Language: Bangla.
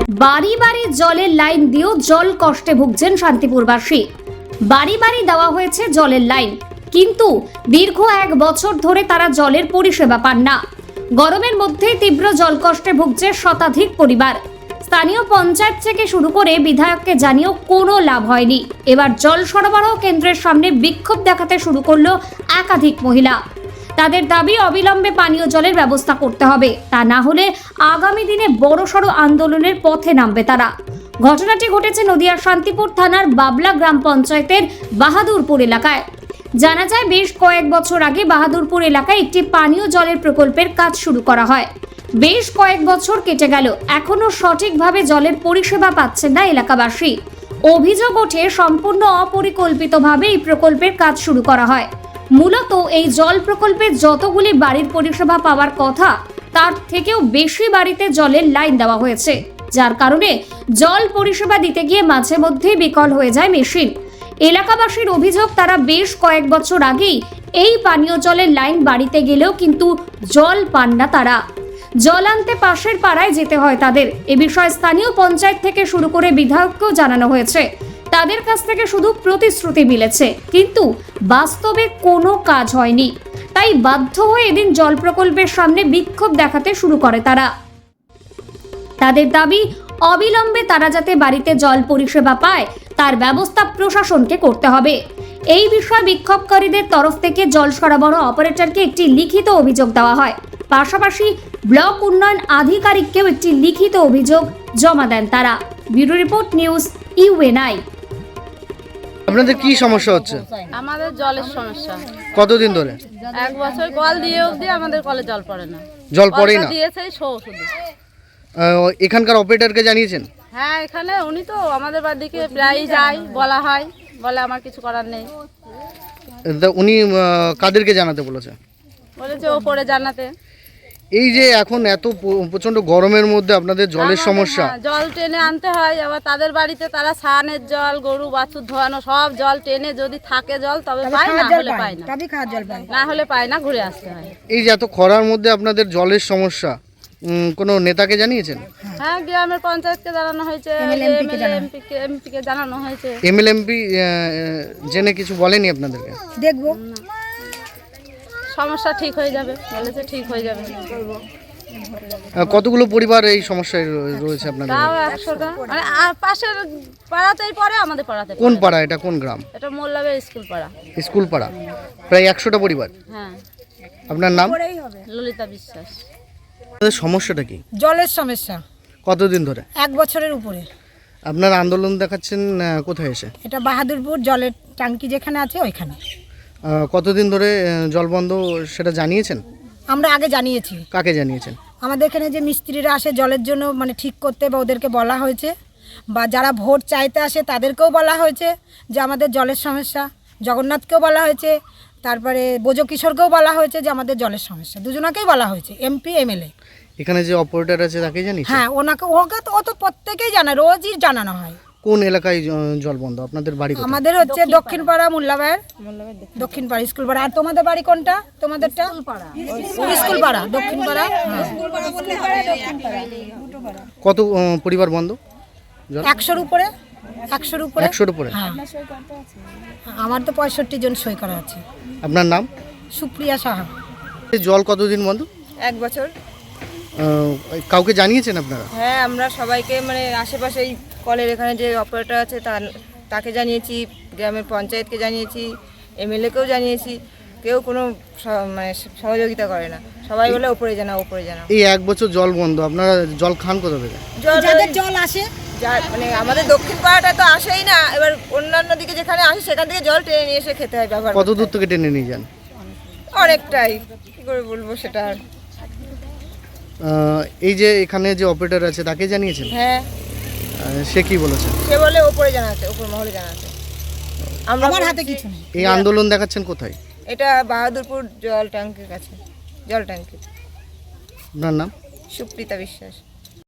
বাড়ি বাড়ি জলের লাইন দিয়েও জল কষ্টে ভুগছেন শান্তিপুরবাসী। বাড়ি বাড়ি দেওয়া হয়েছে জলের লাইন, কিন্তু দীর্ঘ 1 বছর ধরে তারা জলের পরিষেবা পান না। গরমের মধ্যে তীব্র জলকষ্টে ভুগছে শতাধিক পরিবার। স্থানীয় পঞ্চায়েত থেকে শুরু করে বিধায়ককে জানিয়েও কোনো লাভ হয়নি। এবার জল সরবরাহ কেন্দ্রের সামনে বিক্ষোভ দেখাতে শুরু করলো একাধিক মহিলা। তাদের দাবি অবিলম্বে পানীয় জলের ব্যবস্থা করতে হবে, তা না হলে আগামী দিনে বড়সড় আন্দোলনের পথে নামবে তারা। ঘটনাটি ঘটেছে নদিয়ার শান্তিপুর থানার বাবলা গ্রাম পঞ্চায়েতের বাহাদুরপুর এলাকায়। জানা যায়, বেশ কয়েক বছর আগে বাহাদুরপুর এলাকায় একটি পানীয় জলের প্রকল্পের কাজ শুরু করা হয়। বেশ কয়েক বছর কেটে গেল, এখনো সঠিকভাবে জলের পরিষেবা পাচ্ছেন না এলাকাবাসী। অভিযোগ ওঠে, সম্পূর্ণ অপরিকল্পিতভাবে এই প্রকল্পের কাজ শুরু করা হয়। মূলত এই জল প্রকল্পে যতগুলি বাড়ির পরিষেবা পাওয়ার কথা, তার থেকেও বেশি বাড়িতে জলের লাইন দেওয়া হয়েছে, যার কারণে জল পরিষেবা দিতে গিয়ে মাঝে মধ্যেই বিকল হয়ে যায় মেশিন। এলাকাবাসীর অভিযোগ, তারা বেশ কয়েক বছর আগেই এই পানীয় জলের লাইন বাড়িতে গেলেও কিন্তু জল পান না তারা। জল আনতে পাশের পাড়ায় যেতে হয় তাদের। এ বিষয়ে স্থানীয় পঞ্চায়েত থেকে শুরু করে বিধায়ককেও জানানো হয়েছে। তাদের কাছ থেকে শুধু প্রতিশ্রুতি মিলেছে, কিন্তু বাস্তবে কোনো কাজ হয়নি। তাই বাধ্য হয়ে এদিন জল প্রকল্পের সামনে বিক্ষোভ দেখাতে শুরু করে তারা। তাদের দাবি, অবিলম্বে তারা যাতে বাড়িতে জল পরিষেবা পায় তার ব্যবস্থা প্রশাসনকে করতে হবে। এই বিষয়ে বিক্ষোভকারীদের তরফ থেকে জল সরবরাহ অপারেটরকে একটি লিখিত অভিযোগ দেওয়া হয়। পাশাপাশি ব্লক উন্নয়ন আধিকারিককেও একটি লিখিত অভিযোগ জমা দেন তারা। Bureau report, news UNI. আপনাদের কি সমস্যা হচ্ছে? আমাদের জলের সমস্যা। কতদিন ধরে? 1 বছর কল দিয়ে অবধি আমাদের কলে জল পড়ে না। জল পড়েই না? দিয়েছে শুধু। এখানকার অপারেটরকে জানিয়েছেন? হ্যাঁ, এখানে উনি তো আমাদের বাড়িতে প্রায়ই যায়, বলা হয়, বলে আমার কিছু করার নেই। তা উনি কাদেরকে জানাতে বলেছে? বলেছে ওপরে জানাতে। এই যে এখন এত প্রচন্ড গরমের মধ্যে আপনাদের জলের সমস্যা, জল টেনে আনতে হয়। আবার তাদের বাড়িতে তারা স্নানের জল, গরু বাছুর ধোয়ানো সব জল টেনে, যদি থাকে জল তবে পায়, না হলে পায় না। না হলে পায় না, ঘুরে আসতে হয়। এই যে এত খরার মধ্যে আপনাদের জলের সমস্যা, কোনো নেতাকে জানিয়েছেন? হ্যাঁ, গ্রামের পঞ্চায়েতকে জানানো হয়েছে, এমপিকে জানানো হয়েছে। এমএলএমপি জেনে কিছু বলেনি আপনাদেরকে? দেখবো, সমস্যা ঠিক হয়ে যাবে বলেছে, ঠিক হয়ে যাবে। কতগুলো পরিবার এই সমস্যায় রয়েছে আপনাদের? তাও 100টা, মানে পাশের পাড়াতেই পড়ে, আমাদের পাড়াতে। কোন পাড়া এটা? কোন গ্রাম? এটা মোল্লাবের স্কুল পাড়া। স্কুল পাড়া, প্রায় 100টা পরিবার। হ্যাঁ। আপনার নাম? ললিতা বিশ্বাস। আপনাদের সমস্যাটা কি? জলের সমস্যা। কতদিন ধরে? 1 বছরের উপরে। আপনার আন্দোলন দেখাচ্ছেন কোথায় এসে? এটা বাহাদুরপুর জলের ট্যাঙ্কি যেখানে আছে ওইখানে। কতদিন ধরে জল বন্ধ সেটা জানিয়েছেন? আমরা আগে জানিয়েছি। কাকে জানিয়েছেন? আমাদের এখানে যে মিস্ত্রিরা আসে জলের জন্য, মানে ঠিক করতে, বা ওদেরকে বলা হয়েছে, বা যারা ভোট চাইতে আসে তাদেরকেও বলা হয়েছে যে আমাদের জলের সমস্যা। জগন্নাথকেও বলা হয়েছে, তারপরে বোজো কিশোরকেও বলা হয়েছে যে আমাদের জলের সমস্যা। দুজনাকেই বলা হয়েছে, এমপি এমএলএ। এখানে যে অপারেটর আছে তাকে জানিয়েছেন? হ্যাঁ, ওকে তো ও তো প্রত্যেকেই জানায়, রোজই জানানো হয়। কোন এলাকায় জল বন্ধ? আপনাদের বাড়ি কোথায়? আমাদের হচ্ছে দক্ষিণ পাড়া, মোল্লাবাইয়ের দক্ষিণ পাড়া স্কুল পাড়া। আর তোমাদের বাড়ি কোনটা? তোমাদেরটা স্কুল পাড়া, দক্ষিণ পাড়া। কত পরিবার বন্ধ? 100-র উপরে। 100-র উপরে। 100-র উপরে? হ্যাঁ, আমার তো 65 জন সই করা আছে। আপনার নাম? সুপ্রিয়া সাহা। জল কতদিন বন্ধ? 1 বছর। কাউকে জানিয়েছেন আপনারা? হ্যাঁ, আমরা সবাইকে, মানে আশেপাশে এই কলের এখানে যে অপারেটর আছে তাকে জানিয়েছি, গ্রামের পঞ্চায়েতকে জানিয়েছি, এমএলএকেও জানিয়েছি। কেউ কোনো মানে সহযোগিতা করে না। সবাই বলে ওপরে জানাও, ওপরে জানাও। এই 1 বছর জল বন্ধ, আপনারা জল খান কোথা থেকে? যাদের জল আসে, মানে আমাদের দক্ষিণ পাড়াটা তো আসেই না। এবার অন্যান্য দিকে যেখানে আসে সেখান থেকে জল টেনে নিয়ে এসে খেতে হয়, ব্যবহার। কত দূর থেকে টেনে নিয়ে যান? অনেকটাই, কি করে বলবো সেটা। এই যে এখানে যে অপারেটর আছে তাকে জানিয়েছেন? হ্যাঁ। সে কি বলেছে? সে বলে ওপরে জানাতে, ওপর মহলে জানাতে। আমার হাতে কিছু নেই। এই আন্দোলন দেখাচ্ছেন কোথায়? এটা বাহাদুরপুর জল ট্যাঙ্কির কাছে, জল ট্যাঙ্কি। আপনার নাম? সুপ্রিতা বিশ্বাস।